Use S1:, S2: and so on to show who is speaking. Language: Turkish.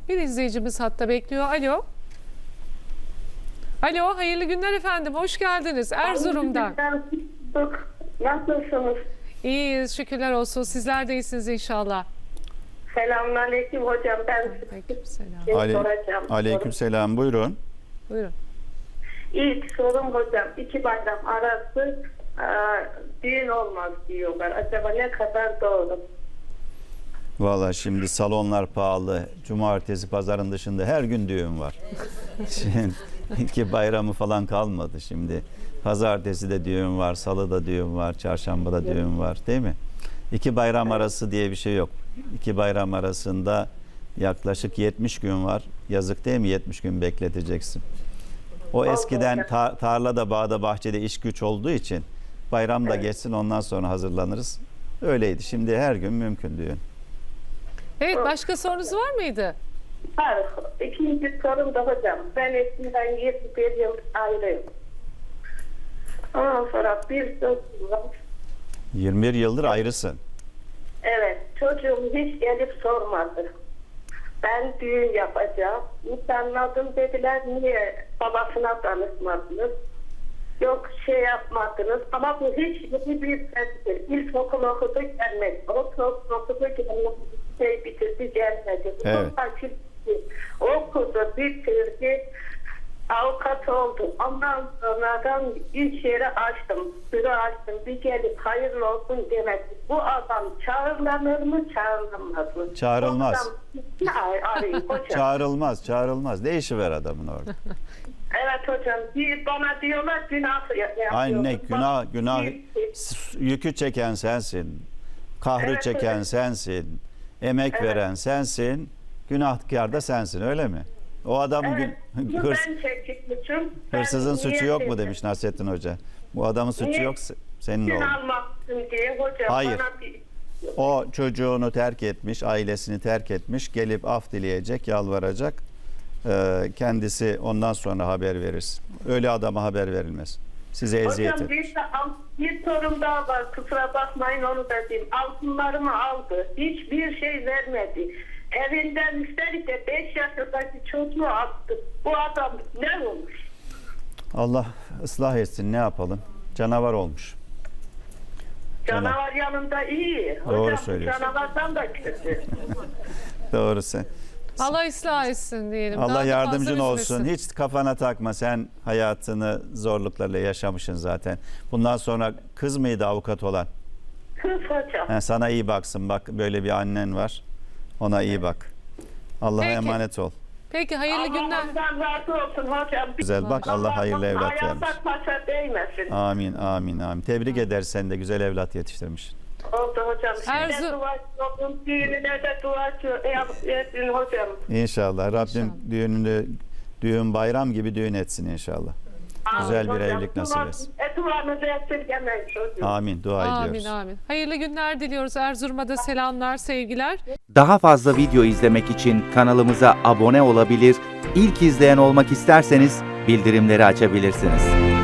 S1: Bir izleyicimiz hatta bekliyor. Alo. Alo, hayırlı günler efendim. Hoş geldiniz Erzurum'dan.
S2: Nasılsınız?
S1: İyiyiz, şükürler olsun. Sizler de iyisiniz inşallah.
S2: Selamünaleyküm hocam. Ben
S1: Aleykümselam.
S2: soracağım.
S3: Aleykümselam. Buyurun.
S1: Buyurun.
S2: İlk sorum hocam, 2 bayram arası düğün olmaz diyorlar. Acaba ne kadar doğru?
S3: Valla şimdi salonlar pahalı. Cumartesi, pazarın dışında her gün düğün var. Şimdi iki bayramı falan kalmadı şimdi. Pazartesi de düğün var, salıda düğün var, çarşambada düğün var, değil mi? İki bayram arası diye bir şey yok. İki bayram arasında yaklaşık 70 gün var. Yazık değil mi? 70 gün bekleteceksin. O eskiden tarlada, bağda, bahçede iş güç olduğu için bayram da geçsin, ondan sonra hazırlanırız. Öyleydi. Şimdi her gün mümkün düğün.
S1: Evet, başka sorunuz var mıydı?
S2: Hayır. İkinci sorum da hocam. Ben eskiden 21 yıl ayrıyım. Ondan sonra bir çocuğum var.
S3: 21 yıldır ayrısın.
S2: Evet. Çocuğum hiç gelip sormadı. Ben düğün yapacağım. Nişanladım dediler. Niye babasına danışmadınız? Yok şey yapmadınız. Ama bu hiç bir sestir. İlkokul okudu gelmedi. Ortaokul okudu gelmedi. Şey bitirdi gelmedi.
S3: Evet.
S2: Okudu bitirdi. Avukat oldum. Ondan sonradan iş yeri açtım. Büro açtım. Bir gelip hayırlı olsun demedi. Bu adam çağrılanır mı çağrılamaz mı?
S3: Çağrılmaz.
S2: Arayayım hocam.
S3: Çağrılmaz. Ne işi var adamın orada?
S2: Evet hocam. Bana diyorlar günah yapıyorsun.
S3: Aynı günah yükü çeken sensin. Kahrı
S2: Evet,
S3: çeken
S2: evet.
S3: sensin. Emek veren sensin. Günahkar da sensin, öyle mi? O adam
S2: Evet. Ben çekmişim.
S3: hırsızın suçu yok mu
S2: demiş.
S3: demiş Nasrettin Hoca. Bu adamın suçu
S2: Niye?
S3: yok, senin
S2: Gün
S3: oğlun.
S2: almaksın diye hocam.
S3: Hayır.
S2: Bana bir...
S3: O çocuğunu terk etmiş, ailesini terk etmiş, gelip af dileyecek, yalvaracak. Kendisi ondan sonra haber verirsin. Öyle adama haber verilmez. Size eziyet
S2: Hocam
S3: etmiş.
S2: bir sorum daha var. Kusura bakmayın onu da diyeyim. Altınlarımı aldı. Hiçbir şey vermedi. Evinden üstelik de 5 yaşındaki çocuğu attı. Bu adam ne olmuş?
S3: Allah ıslah etsin, ne yapalım? Canavar olmuş.
S2: Canavar yanında iyi.
S3: Doğru
S2: Hocam
S3: söylüyorsun.
S2: canavardan da kötü.
S3: Doğru sen.
S1: Allah ıslah etsin diyelim. Daha
S3: Allah
S1: da
S3: yardımcın
S1: fazla
S3: olsun.
S1: üzmesin.
S3: Hiç kafana takma. Sen hayatını zorluklarla yaşamışsın zaten. Bundan sonra kız mıydı avukat olan?
S2: Kız hocam.
S3: Sana iyi baksın. Bak böyle bir annen var. Ona iyi bak. Allah'a
S1: Peki.
S3: emanet ol.
S1: Peki, hayırlı günler.
S2: Allah'tan razı olsun hocam.
S3: Güzel bak, Allah hayırlı evlat vermiş.
S2: Ayakta taşa değmesin.
S3: Amin. Tebrik ederiz, sen de güzel evlat yetiştirmişsin.
S2: Oldu hocam.
S1: Erzurum-
S2: Size duacı düğününe de duacı yapın hocam.
S3: İnşallah. Rabbim düğün bayram gibi düğün etsin inşallah. Güzel bir
S2: Hocam,
S3: evlilik nasip etsin.
S2: Duanızı esirgemeyin çocuğum.
S3: Amin. Dua ediyoruz.
S1: Amin. Hayırlı günler diliyoruz. Erzurum'a da selamlar, sevgiler.
S4: Daha fazla video izlemek için kanalımıza abone olabilir, ilk izleyen olmak isterseniz bildirimleri açabilirsiniz.